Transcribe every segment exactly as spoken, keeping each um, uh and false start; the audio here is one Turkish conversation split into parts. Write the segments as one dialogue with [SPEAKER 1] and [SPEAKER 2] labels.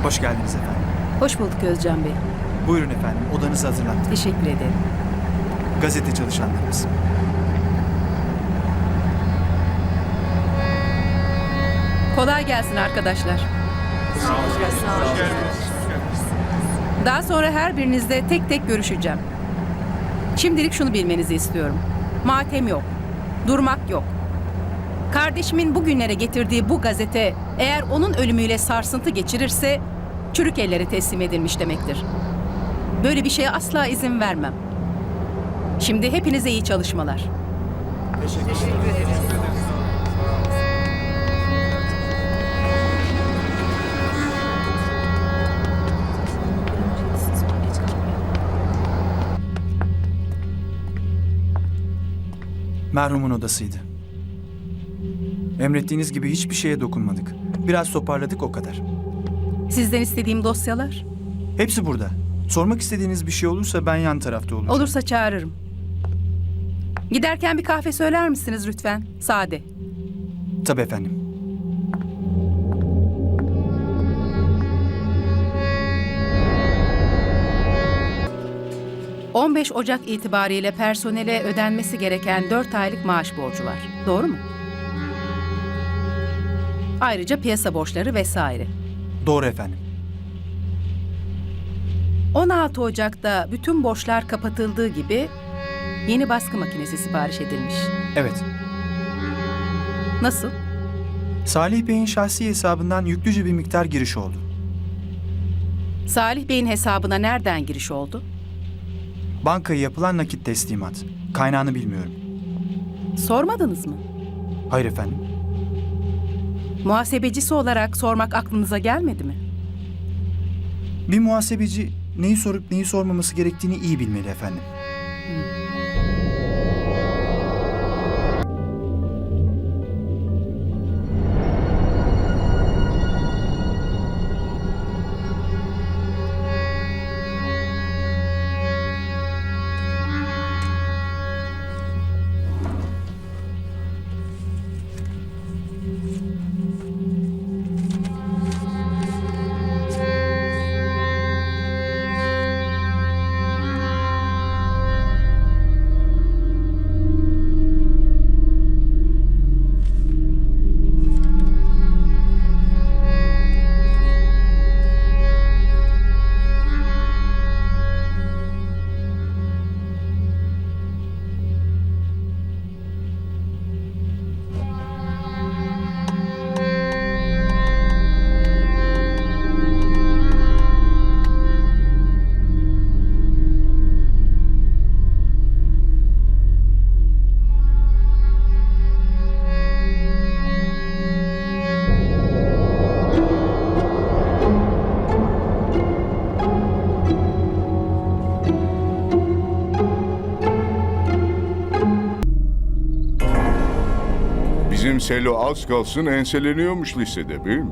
[SPEAKER 1] Hoş geldiniz efendim.
[SPEAKER 2] Hoş bulduk Özcan Bey.
[SPEAKER 1] Buyurun efendim, odanızı hazırlattık.
[SPEAKER 2] Teşekkür ederim.
[SPEAKER 1] Gazete çalışanlarımız.
[SPEAKER 2] Kolay gelsin arkadaşlar. Daha sonra her birinizle tek tek görüşeceğim. Şimdilik şunu bilmenizi istiyorum. Matem yok. Durmak yok. Kardeşimin bugünlere getirdiği bu gazete eğer onun ölümüyle sarsıntı geçirirse çürük ellere teslim edilmiş demektir. Böyle bir şeye asla izin vermem. Şimdi hepinize iyi çalışmalar. Teşekkür ederiz.
[SPEAKER 1] Merhumun odasıydı. Emrettiğiniz gibi hiçbir şeye dokunmadık. Biraz toparladık o kadar.
[SPEAKER 2] Sizden istediğim dosyalar?
[SPEAKER 1] Hepsi burada. Sormak istediğiniz bir şey olursa ben yan tarafta olacağım.
[SPEAKER 2] Olursa çağırırım. Giderken bir kahve söyler misiniz lütfen? Sade.
[SPEAKER 1] Tabii efendim.
[SPEAKER 2] on beş Ocak itibariyle personele ödenmesi gereken dört aylık maaş borcu var. Doğru mu? Ayrıca piyasa borçları vesaire.
[SPEAKER 1] Doğru efendim.
[SPEAKER 2] on altı Ocak'ta bütün borçlar kapatıldığı gibi yeni baskı makinesi sipariş edilmiş.
[SPEAKER 1] Evet.
[SPEAKER 2] Nasıl?
[SPEAKER 1] Salih Bey'in şahsi hesabından yüklüce bir miktar giriş oldu.
[SPEAKER 2] Salih Bey'in hesabına nereden giriş oldu?
[SPEAKER 1] Bankaya yapılan nakit teslimat. Kaynağını bilmiyorum.
[SPEAKER 2] Sormadınız mı?
[SPEAKER 1] Hayır efendim.
[SPEAKER 2] Muhasebecisi olarak sormak aklınıza gelmedi mi?
[SPEAKER 1] Bir muhasebeci neyi sorup neyi sormaması gerektiğini iyi bilmeli efendim.
[SPEAKER 3] Bizim Selo az kalsın enseleniyormuş lisede, değil mi?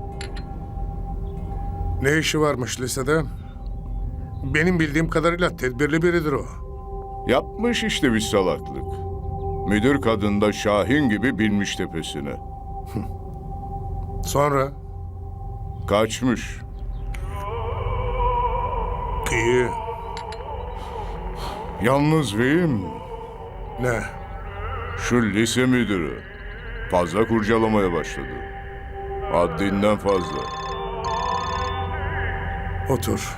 [SPEAKER 4] Ne işi varmış lisede? Benim bildiğim kadarıyla tedbirli biridir o.
[SPEAKER 3] Yapmış işte bir salaklık. Müdür kadın da Şahin gibi binmiş tepesine.
[SPEAKER 4] Sonra?
[SPEAKER 3] Kaçmış.
[SPEAKER 4] İyi.
[SPEAKER 3] Yalnız beyim,
[SPEAKER 4] Ne?
[SPEAKER 3] şu lise müdürü fazla kurcalamaya başladı. Haddinden fazla.
[SPEAKER 4] Otur.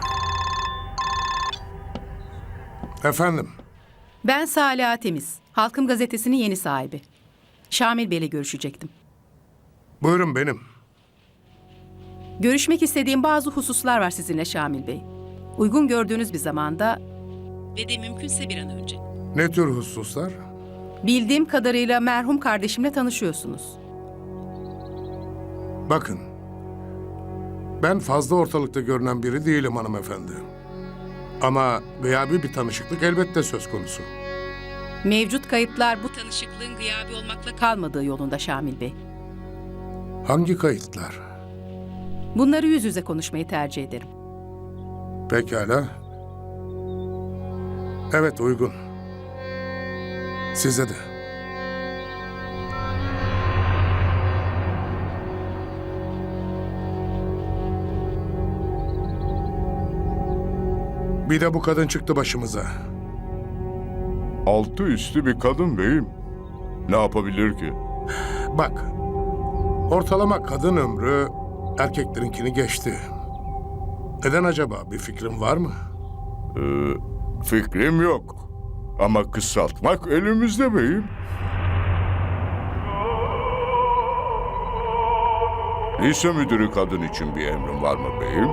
[SPEAKER 4] Efendim?
[SPEAKER 2] Ben Salih Temiz, Halkım Gazetesi'nin yeni sahibi. Şamil Bey'le görüşecektim.
[SPEAKER 4] Buyurun benim.
[SPEAKER 2] Görüşmek istediğim bazı hususlar var sizinle Şamil Bey. Uygun gördüğünüz bir zamanda ve de mümkünse bir an önce.
[SPEAKER 4] Ne tür hususlar?
[SPEAKER 2] Bildiğim kadarıyla merhum kardeşimle tanışıyorsunuz.
[SPEAKER 4] Bakın. Ben fazla ortalıkta görünen biri değilim hanımefendi. Ama gıyabi bir tanışıklık elbette söz konusu.
[SPEAKER 2] Mevcut kayıtlar bu tanışıklığın gıyabi olmakla kalmadığı yolunda Şamil Bey.
[SPEAKER 4] Hangi kayıtlar?
[SPEAKER 2] Bunları yüz yüze konuşmayı tercih ederim.
[SPEAKER 4] Pekala. Evet, uygun. Size de. Bir de bu kadın çıktı başımıza.
[SPEAKER 3] Altı üstü bir kadın beyim. Ne yapabilir ki?
[SPEAKER 4] Bak, ortalama kadın ömrü erkeklerinkini geçti. Neden acaba? Bir fikrin var mı?
[SPEAKER 3] Fikrim yok. Ama kısaltmak elimizde beyim. Lise müdürü kadın için bir emrin var mı beyim?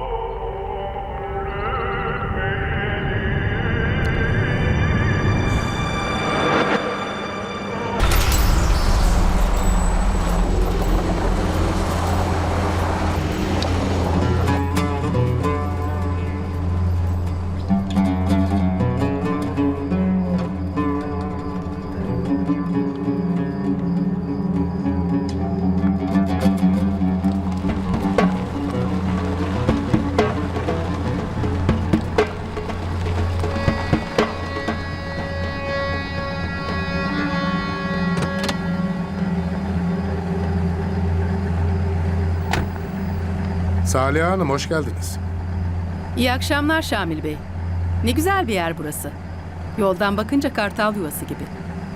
[SPEAKER 4] Salih Hanım hoş geldiniz.
[SPEAKER 2] İyi akşamlar Şamil Bey. Ne güzel bir yer burası. Yoldan bakınca kartal yuvası gibi.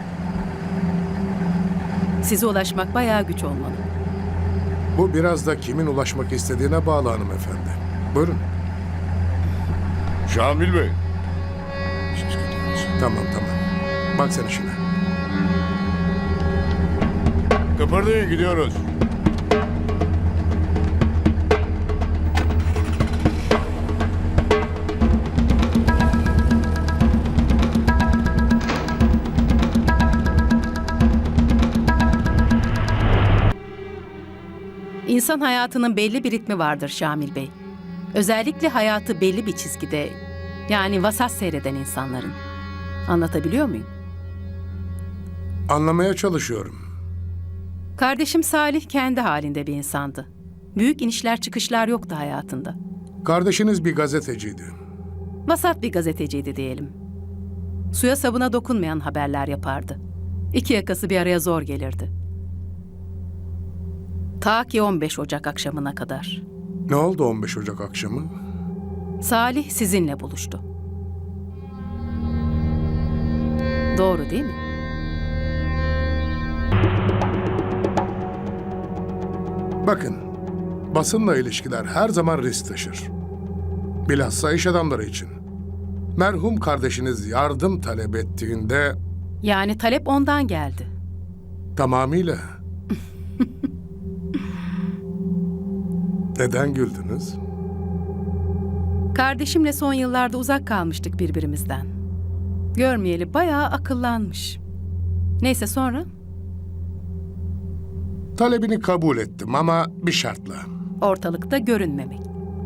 [SPEAKER 2] Size ulaşmak bayağı güç olmalı.
[SPEAKER 4] Bu biraz da kimin ulaşmak istediğine bağlı hanımefendi. Buyurun.
[SPEAKER 3] Şamil Bey.
[SPEAKER 4] Tamam tamam. Bak sen işine.
[SPEAKER 3] Kıpırdayın, gidiyoruz.
[SPEAKER 2] İnsan hayatının belli bir ritmi vardır Şamil Bey. Özellikle hayatı belli bir çizgide, yani vasat seyreden insanların. Anlatabiliyor muyum?
[SPEAKER 4] Anlamaya çalışıyorum.
[SPEAKER 2] Kardeşim Salih kendi halinde bir insandı. Büyük inişler çıkışlar yoktu hayatında.
[SPEAKER 4] Kardeşiniz bir gazeteciydi.
[SPEAKER 2] Vasat bir gazeteciydi diyelim. Suya sabuna dokunmayan haberler yapardı. İki yakası bir araya zor gelirdi. Ta ki on beş Ocak akşamına kadar.
[SPEAKER 4] Ne oldu on beş Ocak akşamı?
[SPEAKER 2] Salih sizinle buluştu. Doğru değil mi?
[SPEAKER 4] Bakın, basınla ilişkiler her zaman risk taşır. Bilhassa iş adamları için. Merhum kardeşiniz yardım talep ettiğinde
[SPEAKER 2] Yani talep ondan geldi.
[SPEAKER 4] tamamıyla... Neden güldünüz?
[SPEAKER 2] Kardeşimle son yıllarda uzak kalmıştık birbirimizden. Görmeyeli bayağı akıllanmış. Neyse sonra
[SPEAKER 4] Talebini kabul ettim ama bir şartla.
[SPEAKER 2] ortalıkta görünmemek.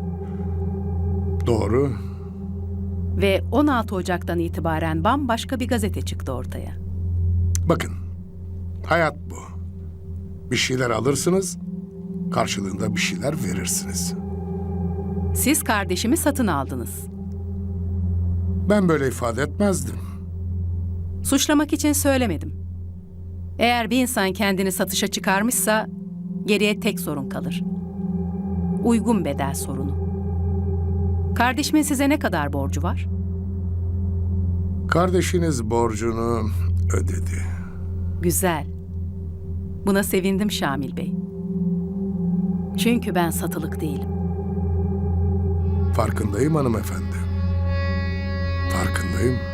[SPEAKER 4] Doğru.
[SPEAKER 2] Ve on altı Ocak'tan itibaren bambaşka bir gazete çıktı ortaya.
[SPEAKER 4] Bakın, hayat bu. Bir şeyler alırsınız, karşılığında bir şeyler verirsiniz.
[SPEAKER 2] Siz kardeşimi satın aldınız.
[SPEAKER 4] Ben böyle ifade etmezdim.
[SPEAKER 2] Suçlamak için söylemedim. Eğer bir insan kendini satışa çıkarmışsa geriye tek sorun kalır. Uygun bedel sorunu. Kardeşimin size ne kadar borcu var?
[SPEAKER 4] Kardeşiniz borcunu ödedi.
[SPEAKER 2] Güzel. Buna sevindim Şamil Bey. Çünkü ben satılık değilim.
[SPEAKER 4] Farkındayım hanımefendi. Farkındayım.